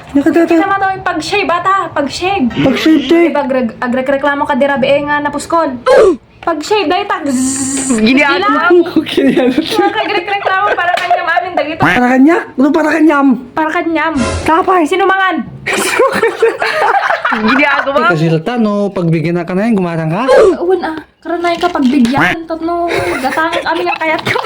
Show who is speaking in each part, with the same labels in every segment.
Speaker 1: Nakadata.
Speaker 2: Kita mo daw yung pag-shave, bata. Pag-shave.
Speaker 1: Pag-shave, te.
Speaker 2: Diba, agrek-reklamo ka dirabi nga napuskol. Pag-shave, dahil tag.
Speaker 3: Ginagawa mo.
Speaker 1: Okay, yan.
Speaker 2: Agrek-reklamo para kanyam amin dagito.
Speaker 1: Para kanya? Ano para kanyam?
Speaker 2: Para kanyam.
Speaker 1: Tapay.
Speaker 2: Sino mangan?
Speaker 3: Ginagawa mo.
Speaker 1: Kasi lata, no, pagbigyan na ka na yan, gumarang ka.
Speaker 2: Uwan ah. Karanay ka pagbigyan. Tatno. Gatangan amin ang kayat ko.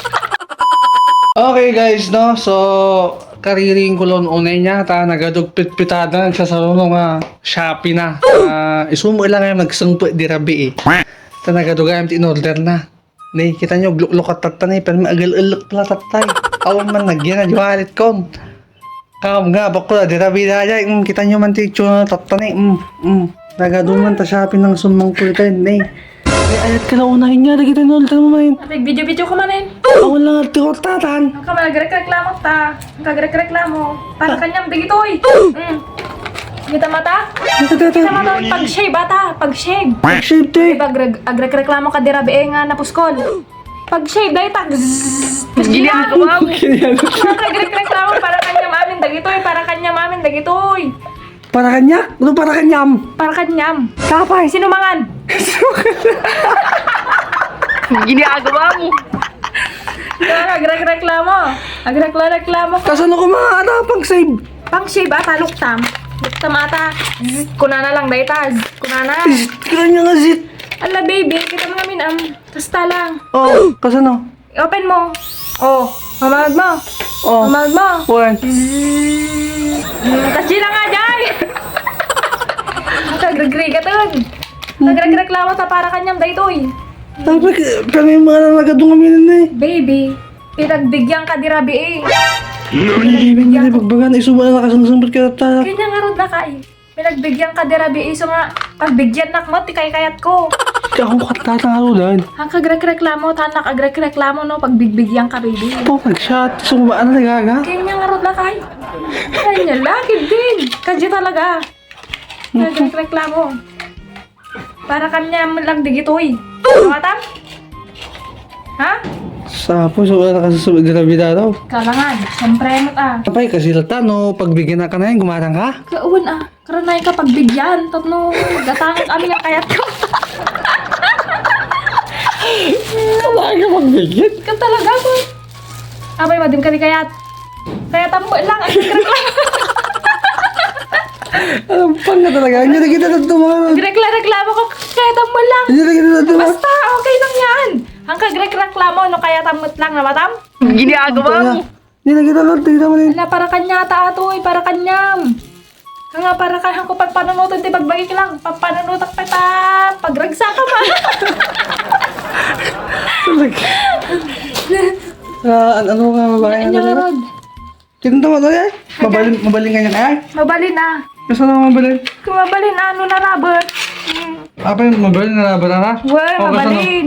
Speaker 1: Okay guys, no, so kariring kulon unay niya, ta nagadugpit-pitada nagsasaro nga Shopee na. Isumo lang ngayon nagsangpo di rabi eh. Ta nagadugay in order na. Nay, kita nyo, gluk-luk at tatanay, pero may agal-alok pala tatay. Awan man nagyan na, di walit kon. Kam nga, bako na, di rabi na dyan. Kita nyo man titsyo na tatanay. Nagaduman ta Shopee ng sumang pulitan, nay. Ay, ayat ka na unahin nga, nakita nyo, ulitan mo man.
Speaker 2: Nag-video-video ko manin.
Speaker 1: Awan lang at tatan.
Speaker 2: Ang ka mag-reklamo ta. Ang kagreklamo. Para kanyam dagito eh. Kita mata? Kita mo daw yung pag-shave, bata. Pag-shave.
Speaker 1: Pag-shave, te.
Speaker 2: Diba, agrek-reklamo ka dirabi nga napuskol. Pag-shave, dahil tag.
Speaker 3: Ginagawa mo.
Speaker 2: Agrek-reklamo para kanyam amin dagito eh. Para kanyam amin dagito eh.
Speaker 1: Para kanya? Ano para kanyam?
Speaker 2: Para kanyam.
Speaker 1: Tapay.
Speaker 2: Sino mangan?
Speaker 3: Ginagawa mo.
Speaker 2: Agrek-reklamo. Agrek-reklamo.
Speaker 1: Kasan ako mga pang save?
Speaker 2: Pang-shave ata, luktam. Luktam ata. Kuna na lang, dahil tag. Kuna na.
Speaker 1: Kaya niya nga zit.
Speaker 2: Ala baby, kita mo namin kasta lang.
Speaker 1: Oh, kasan o?
Speaker 2: Open mo. Oh, mamahag mo.
Speaker 1: Oh.
Speaker 2: Mamahag mo.
Speaker 1: One.
Speaker 2: Kasi lang nga dyan. Nag-agree ka dun. Nag-reklamo sa para kanyang daytoy.
Speaker 1: Tapos kami mga nagadong kami na eh.
Speaker 2: Baby, pinagbigyan ka dirabi eh.
Speaker 1: Hindi pagbagan, isuba na nakasangsambat ka ta.
Speaker 2: Kanya nga rod na ka eh. Pinagbigyan ka dirabi eh. So nga, pagbigyan nakmot, ikay-kayat ko.
Speaker 1: Ako katatangalo
Speaker 2: Ang kagreklamo, tanak agrek-reklamo no, pagbigbigyan ka baby.
Speaker 1: Oh my shot, sumubaan na nagaga.
Speaker 2: Kanya nga rod na ka eh. Kanya lagi din. Kadya talaga. Nagreklamo. Para kanya lang digitoy. Tumatam? Ha?
Speaker 1: Sapo, so wala nakasasubad na bida daw.
Speaker 2: Kalangan. Siyempre mo ah.
Speaker 1: Tapay, kasi lata, no, pagbigyan na ka na yan, gumarang ka.
Speaker 2: Kauwan ah. Karanay ka pagbigyan. Tatno. Gatangan amin ang kayat ko.
Speaker 1: Kailangan ka magbigyan.
Speaker 2: Ikaw talaga ko. Abay, madim ka ni kayat. Kaya tambo lang. Ang nagreklamo.
Speaker 1: Alam pa nga talaga, hindi na kita natumahan.
Speaker 2: Nagreklamo ko. Kaya tambo lang.
Speaker 1: Hindi na kita natumahan.
Speaker 2: Basta, okay lang yan. Ang kagreklamo, no, kaya tamot lang na matam.
Speaker 3: Ginagawa mo.
Speaker 1: Hindi na kita natumahan.
Speaker 2: Ala, para kanya ta ato, para kanyam. Nga, para kaya ko pagpanunutan, di pagbagik lang. Pagpanunutan pa ta, pagragsa ka man.
Speaker 1: Ano nga babae
Speaker 2: Ano
Speaker 1: na
Speaker 2: rod?
Speaker 1: Tinto mo to eh? Mabalin ka niya kaya?
Speaker 2: Mabalin na.
Speaker 1: Kasi na mabalin?
Speaker 2: Kung mabalin na, ano na rabot?
Speaker 1: Apa yung mabalin na laban na?
Speaker 2: Well, mabalin.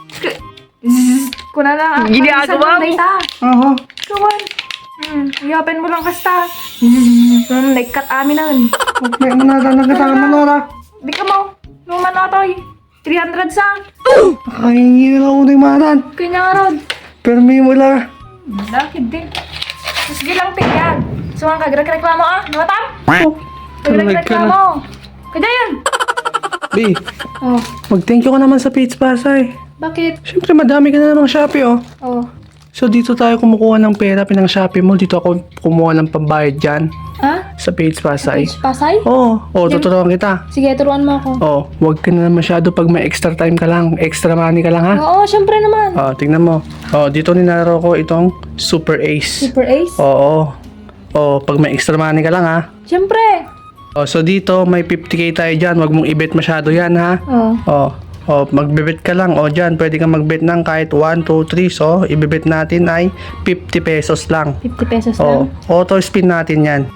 Speaker 2: Kuna na.
Speaker 3: Ginagawa mo.
Speaker 1: Oo.
Speaker 2: Kawan. I-open mo lang kasta. Nag-cut amin na.
Speaker 1: May nagkatangan mo Nora.
Speaker 2: Di ka mo. Nung manotoy. 300 sa.
Speaker 1: Nakahingi na ako ng maran.
Speaker 2: Kanya nga rod.
Speaker 1: Pero may mula.
Speaker 2: Lakid din. Sige lang tigyan. So ang kagreklamo ah. Nawatam?
Speaker 1: Oh.
Speaker 2: Kagreklamo. Kaya yan.
Speaker 1: B,
Speaker 2: Oh.
Speaker 1: mag-thank you ka naman sa Page Pasay.
Speaker 2: Bakit?
Speaker 1: Siyempre madami ka na namang Shopee oh.
Speaker 2: Oh.
Speaker 1: So dito tayo kumukuha ng pera pinang Shopee mo. Dito ako kumuha ng pambayad dyan.
Speaker 2: Ha?
Speaker 1: Sa Page Pasay.
Speaker 2: Pasay?
Speaker 1: Oo. Oh, tuturuan kita.
Speaker 2: Sige, turuan mo ako.
Speaker 1: Oh, huwag ka na masyado pag may extra time ka lang. Extra money ka lang ha.
Speaker 2: Oo, syempre naman.
Speaker 1: Oh, tingnan mo. Oh, dito ninaro ko itong Super Ace.
Speaker 2: Super Ace?
Speaker 1: Oo. Oh, pag may extra money ka lang ha.
Speaker 2: Syempre.
Speaker 1: Oh, so dito may 50k tayo dyan. Huwag mong i-bet masyado yan ha.
Speaker 2: Oh.
Speaker 1: Oh. Oh, magbebet ka lang. Oh, dyan, pwede kang magbet ng kahit 1, 2, 3. So, ibebet natin ay 50 pesos lang.
Speaker 2: 50 pesos
Speaker 1: Oh,
Speaker 2: lang.
Speaker 1: auto spin natin yan.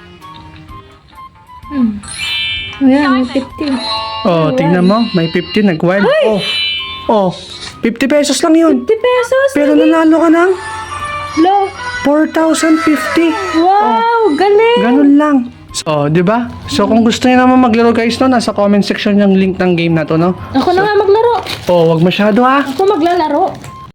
Speaker 2: Ayan, 50.
Speaker 1: Oh, tingnan mo. May 50, nag-wild. Oh, oh, 50 pesos lang yun.
Speaker 2: 50 pesos?
Speaker 1: Pero nanalo ka ng
Speaker 2: Low.
Speaker 1: 4,050.
Speaker 2: Wow, galing.
Speaker 1: Ganun lang. So, di ba? So, kung gusto niyo naman maglaro guys, no, nasa comment section yung link ng game na to, no?
Speaker 2: Ako na nga maglaro.
Speaker 1: Oh, wag masyado ha.
Speaker 2: Ako maglalaro.